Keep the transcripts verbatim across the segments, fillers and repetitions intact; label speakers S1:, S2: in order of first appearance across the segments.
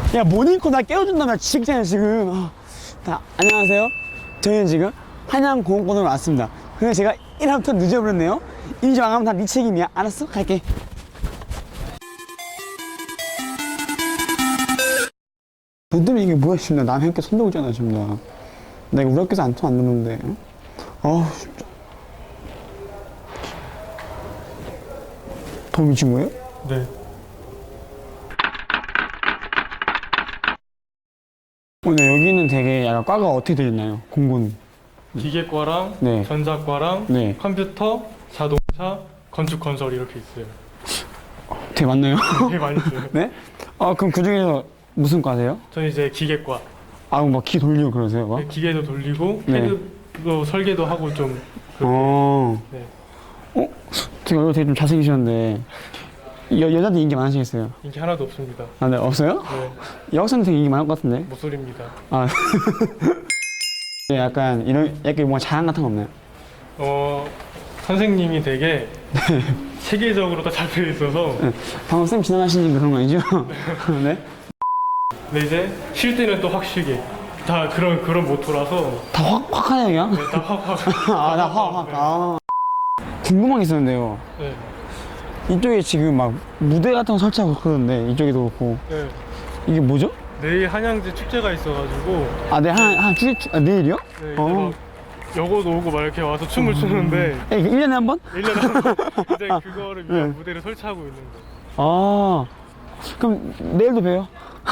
S1: 야, 모닝콜 나 깨워준다며 지금 지금. 아, 자, 안녕하세요. 저희는 지금 한양공원권으로 왔습니다. 근데 제가 일 화부터 늦어버렸네요. 이제 망하면 다 네 책임이야. 알았어? 갈게. 너 때문에 이게 뭐야 지금. 나 남의 학교 손대고있잖아 지금. 나 나 이거 우리 학교에서 안 통 안 넣는데. 아우 진짜. 더 미친 거예요?
S2: 네.
S1: 오늘 여기는 되게 약간 과가 어떻게 되어 있나요? 공고는?
S2: 기계과랑
S1: 네.
S2: 전자과랑
S1: 네.
S2: 컴퓨터, 자동차, 건축 건설 이렇게 있어요.
S1: 되게 많나요?
S2: 되게 많이 있어요.
S1: 네? 아 그럼 그 중에서 무슨 과세요?
S2: 저는 이제 기계과.
S1: 아 뭐 키 돌리고 그러세요? 막?
S2: 기계도 돌리고
S1: 네.
S2: 헤드도 설계도 하고 좀. 그렇게.
S1: 어.
S2: 네.
S1: 어? 되게 얼굴 되게 좀 잘생기셨는데 여, 여자들 인기 많으시겠어요?
S2: 인기 하나도 없습니다.
S1: 아, 네, 없어요?
S2: 네.
S1: 여학생들 되게 인기 많을 것 같은데?
S2: 모쏠입니다.
S1: 아. 약간 이런 약간 뭔가 자랑 같은 거 없나요?
S2: 어 선생님이 되게 체계적으로 다 잡혀 있어서.
S1: 네. 방금 쌤 지나가시는 그런 거 아니죠? 네?
S2: 근데 이제 쉴 때는 또 확 쉬게. 다 그런 그런 모토라서.
S1: 다 확, 확 하네 그냥?
S2: 네, 다 확 확.
S1: 아, 나 확, 확.
S2: 네.
S1: 아. 궁금한 게 있었는데요.
S2: 네.
S1: 이쪽에 지금 막 무대 같은 거 설치하고 그러는데 이쪽에도 그렇고
S2: 네.
S1: 이게 뭐죠?
S2: 내일 한양제 축제가 있어가지고.
S1: 아, 네, 한, 한 주, 주, 아, 내일이요?
S2: 네, 이제
S1: 어.
S2: 막 여고도 오고 막 이렇게 와서 춤을 추는데
S1: 에, 일 년에 한 번?
S2: 일 년에 한 번 이제 그거를 위한
S1: 네.
S2: 무대를 설치하고 있는 거.
S1: 아, 그럼 내일도 봬요.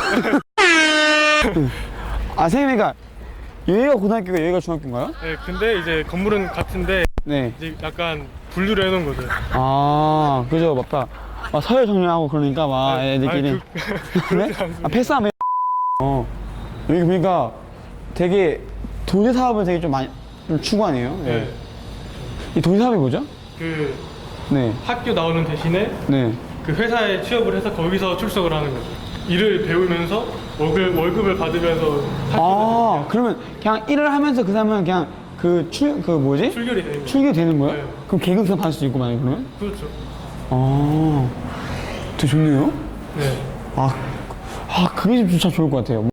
S1: 아, 선생님이가 여기가 고등학교가 여기가 중학교인가요?
S2: 네, 근데 이제 건물은 같은데
S1: 네.
S2: 이제 약간 분류를 해놓은 거죠.
S1: 아, 그죠, 맞다. 아, 서열 정리하고 그러니까 막
S2: 아니,
S1: 애들끼리.
S2: 아니, 그,
S1: 그래?
S2: 그렇지 않습니다.
S1: 아, 패스하면. 어, 여기 보니까 되게 도제 사업을 되게 좀 많이 좀 추구하네요. 네.
S2: 네.
S1: 이 도제 사업이 뭐죠?
S2: 그
S1: 네,
S2: 학교 나오는 대신에
S1: 네.
S2: 그 회사에 취업을 해서 거기서 출석을 하는 거죠. 일을 배우면서 월급, 월급을 받으면서
S1: 아,
S2: 학교
S1: 그러면 그냥 일을 하면서 그 사람은 그냥 그 출, 그 뭐지?
S2: 출결이 되는 거죠.
S1: 출교 되는 거예요?
S2: 네.
S1: 그럼 계급 그냥 받을 수 있고 만약에 그러면?
S2: 그렇죠.
S1: 아, 되게 좋네요.
S2: 네.
S1: 아, 아 그게 좀 진짜 좋을 것 같아요.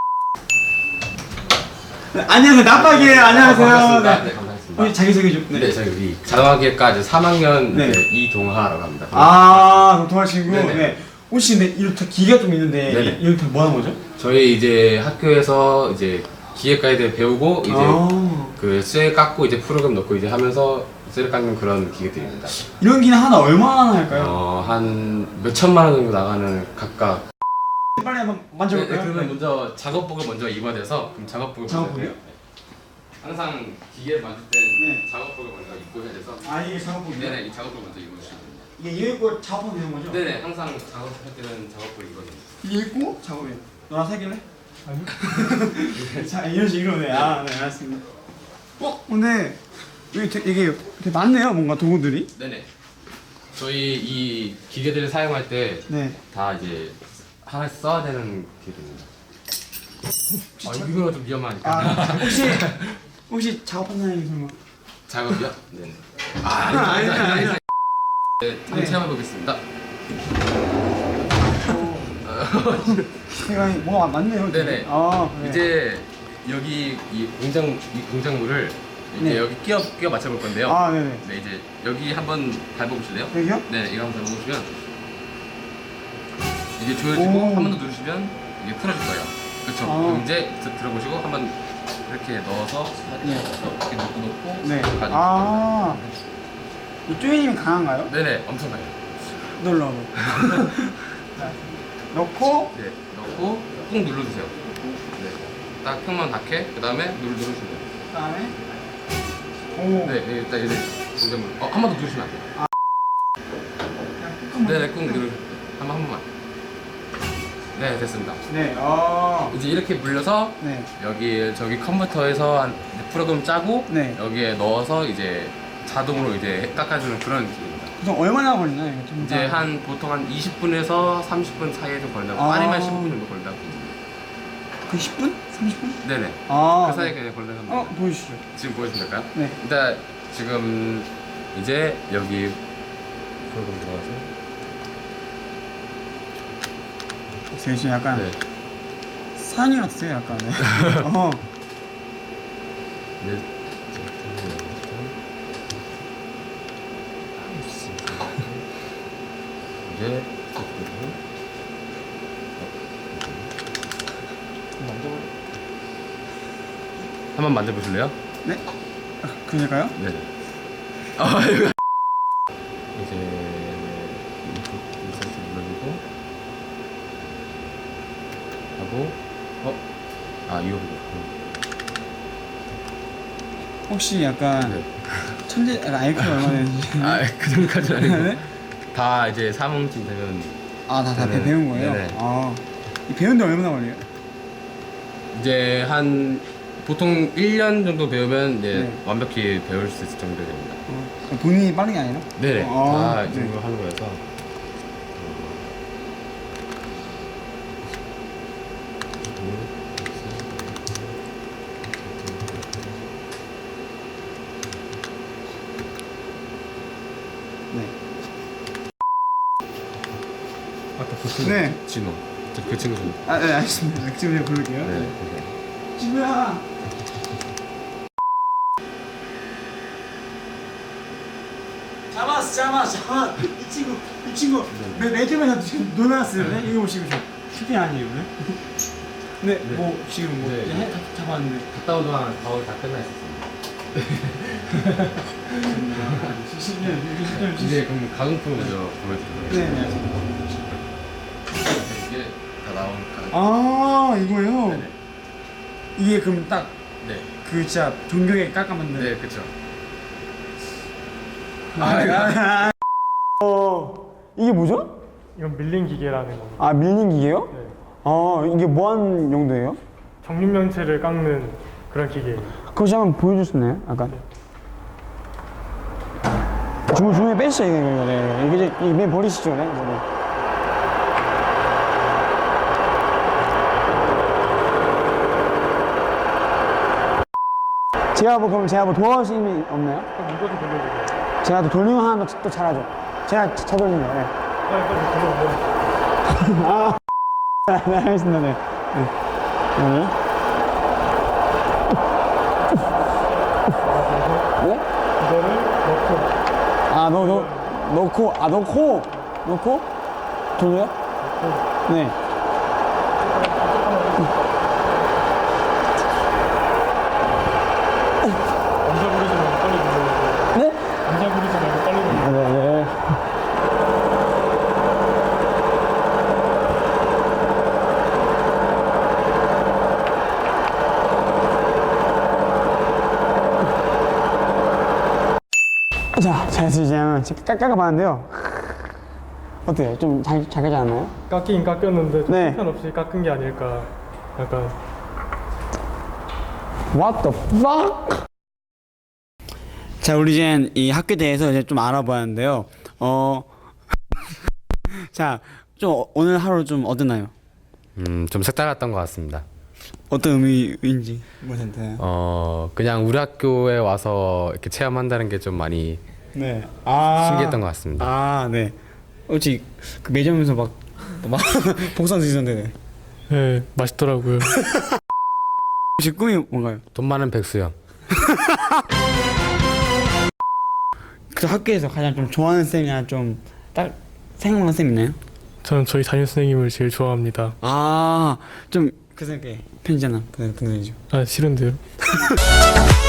S1: 네, 안녕하세요, 나빠기예요. 안녕하세요.
S3: 반갑습니다. 네, 반갑습니다.
S1: 우리 자기소개 좀.
S3: 네, 저희 우리 자동화기까지 삼 학년
S1: 네.
S3: 네. 이동하라고 합니다.
S1: 아, 동아 친구.
S3: 네네.
S1: 네. 혹시 근데 이렇게 기가 좀 있는데
S3: 네네.
S1: 이렇게 뭐 하는 거죠?
S3: 저희 이제 학교에서 이제 기계과에 대해 배우고 이제
S1: 아.
S3: 그 쇠 깎고 이제 프로그램 넣고 이제 하면서 쇠를 깎는 그런 기계들입니다.
S1: 이런 기는 하나 얼마나 할까요?
S3: 어, 한 몇 천만 원 정도 나가는 각각.
S1: 빨리 한번
S3: 네,
S1: 만져볼까요?
S3: 네, 그러면 먼저 작업복을 먼저 입어야 돼서 그럼 작업복을 먼저
S1: 작업복이요?
S3: 입어요. 항상 기계를 만질 땐
S1: 네.
S3: 작업복을 먼저 입고 해야 돼서.
S1: 아, 이게 작업복이요?
S3: 네네, 이 작업복을 먼저 입으시면 됩니다.
S1: 이게 이거 입고 작업하면 되는 거죠?
S3: 네네, 항상 작업할 때는 작업복을 입어야 됩니다.
S1: 이게 입고 작업이요. 너랑 사귈래? 아니요. 자, 이런 식으로 네. 아, 네, 알았습니다. 어, 근데 여기 되게, 이게 되게 많네요, 뭔가 도구들이.
S3: 네네. 저희 이 기계들을 사용할 때 다
S1: 네.
S3: 이제 하나씩 써야 되는 기계들입니다. 아, 이거가 좀 위험하니까.
S1: 아, 혹시 혹시 작업하는 사람이 설마?
S3: 작업이요? 네네. 아,
S1: 아, 아니, 아니, 아니.
S3: 네, 한번 체험해 보겠습니다.
S1: 제가 뭐가 많네요. 지금.
S3: 네네.
S1: 아, 네.
S3: 이제 여기 이 공장 이 공작물을 이제
S1: 네.
S3: 여기 끼워 끼워 맞춰 볼 건데요.
S1: 아, 네네.
S3: 네, 이제 여기 한번 밟아보실래요?
S1: 여기요?
S3: 네, 이거 한번 밟아보시면 이게 조여지고
S1: 오.
S3: 한 번 더 누르시면 이게 풀어질 거예요. 그렇죠.
S1: 아.
S3: 그럼 이제 드- 들어보시고 한번 이렇게 넣어서
S1: 네.
S3: 이렇게 놓고 놓고
S1: 네.
S3: 가지고
S1: 아, 이 쪼이님이 강한가요?
S3: 네네, 엄청 가요.
S1: 놀러 와봐. 자, 넣고
S3: 네, 넣고 꾹 눌러주세요. 네, 딱 평만 닿게 그 다음에 눌 누르시면 돼요.
S1: 그다음에 오.
S3: 네, 네, 일단 이제 공작물. 어, 한 번 더 누르시면 안 돼요.
S1: 그냥
S3: 네네, 꾹 누르. 한번 한 번만. 네, 됐습니다.
S1: 네. 아.
S3: 이제 이렇게 물려서
S1: 네.
S3: 여기 저기 컴퓨터에서 한 이제 프로그램 짜고
S1: 네.
S3: 여기에 넣어서 이제 자동으로 이제 깎아주는 그런 기계입니다.
S1: 그럼 얼마나 걸리나요? 이거 좀
S3: 이제 한 보통 한 이십 분에서 삼십 분 사이에 좀 걸린다고.
S1: 아.
S3: 빠르면 십오 분 정도 걸린다고.
S1: 그 십 분? 삼십 분?
S3: 네네.
S1: 아.
S3: 그 사이에 그냥 걸려서.
S1: 어, 보여주시죠.
S3: 지금 보여주면 될까요?
S1: 네.
S3: 일단 지금 이제 여기 프로그램 들어가서
S1: 제가 지금 약간
S3: 네.
S1: 사장님 같으세요 약간. 네. 어.
S3: 네. 이제 한번 만져보실래요?
S1: 네? 아, 그럴까요?
S3: 네. 아 이거 이제 인서트 눌러주고 하고 어? 아 이거
S1: 혹시 약간
S3: 네.
S1: 천재 약간 아이큐가 얼마 되는지.
S3: 아그 정도까지는 아니고
S1: 네?
S3: 다 이제 사몽쯤 되면
S1: 아다 다
S3: 네네.
S1: 배운 거예요?
S3: 네네.
S1: 아. 이 배우는데 얼마나 걸려요?
S3: 이제 한 보통 일 년 정도 배우면 이제
S1: 네.
S3: 완벽히 배울 수 있을 정도 됩니다.
S1: 어. 본인이 빠른 게 아니라?
S3: 네네.
S1: 아,
S3: 다 이
S1: 네.
S3: 정도 하는 거여서.
S1: 네.
S3: 아까 그 친구.
S1: 네.
S3: 진호. 저 그 친구 좀.
S1: 아, 네, 알겠습니다. 지금 제가 부를게요.
S3: 네.
S1: 친구야. 잡았어, 잡았어, 잡았어. 이 친구, 이 친구 매, 매점에서 지금 놀아놨어요. 네? 이거 보시고 저 슈팅 아니에요, 네? 네,
S3: 네.
S1: 뭐 지금 뭐
S3: 네.
S1: 이제 해, 잡- 잡았는데.
S3: 갔다 온 동안 거의 다 끝나 있었습니다. 이제 그럼 가공품 먼저 보여드릴게요.
S1: 네, 네. 알겠습니다.
S3: 이게 다 나온 가공.
S1: 아, 이거요?
S3: 네네.
S1: 이게 그럼 딱 그
S3: 네.
S1: 진짜 종교에 깎아맞는.
S3: 네, 그쵸.
S1: 아, 아, 아. 어, 이게 뭐죠?
S2: 이건 밀링 기계라는 겁니다.
S1: 아, 밀린 기계요?
S2: 네.
S1: 아, 이게 뭐하는 용도예요?
S2: 정육면체를 깎는 그런 기계예요.
S1: 그것이 한번 보여줄 수 있나요? 약간. 주문 주문에 빼시죠, 이거. 이거, 네. 이게 이제 이맨 버리시죠, 네. 이거, 네. 제가 뭐 그럼 제가 뭐 도와줄 수 있는 게 없나요?
S2: 그럼 이것도 돌려주세요.
S1: 제가 또 돌리면 하나 또, 또 잘하죠. 제가 저 돌리는 거. 네.
S2: 빨리 빨리 돌려주세요.
S1: 아, 네, 알겠습니다. 네. 네. 네. 네?
S2: 이거를 넣고
S1: 아, 넣, 넣, 넣고, 아, 넣고, 넣고, 돌려요? 네.
S2: 남자 부리지 말고 빨리 눌러주세요.
S1: 네?
S2: 남자 부리지 말고 빨리 눌러주세요.
S1: 네, 네. 자, 자, 이제 깎아봤는데요. 어때요? 좀 잘, 잘 가지 않나요?
S2: 깎이긴 깎였는데 좀
S1: 네.
S2: 형편없이 깎은 게 아닐까. 약간
S1: What the fuck? 자, 우리 이제 이 학교에 대해서 이제 좀 알아보았는데요. 어, 자, 좀 오늘 하루 좀 어땠나요?
S3: 음, 좀 색달랐던 것 같습니다.
S1: 어떤 의미인지 뭐셨나요?
S3: 어, 그냥 우리 학교에 와서 이렇게 체험한다는 게 좀 많이
S1: 네. 아.
S3: 신기했던 것 같습니다.
S1: 아, 네. 어찌 그 매점에서 막, 막 복선 드시던데.
S2: 네 맛있더라고요.
S1: 혹시 꿈이 뭔가요?
S3: 돈 많은 백수형.
S1: 그 학교에서 가장 좀 좋아하는 쌤이나 좀 딱 생각나는 쌤 있나요?
S2: 저는 저희 담임 선생님을 제일 좋아합니다.
S1: 아, 좀 그 쌤께 편지 하나 보내주죠.
S2: 아 싫은데요.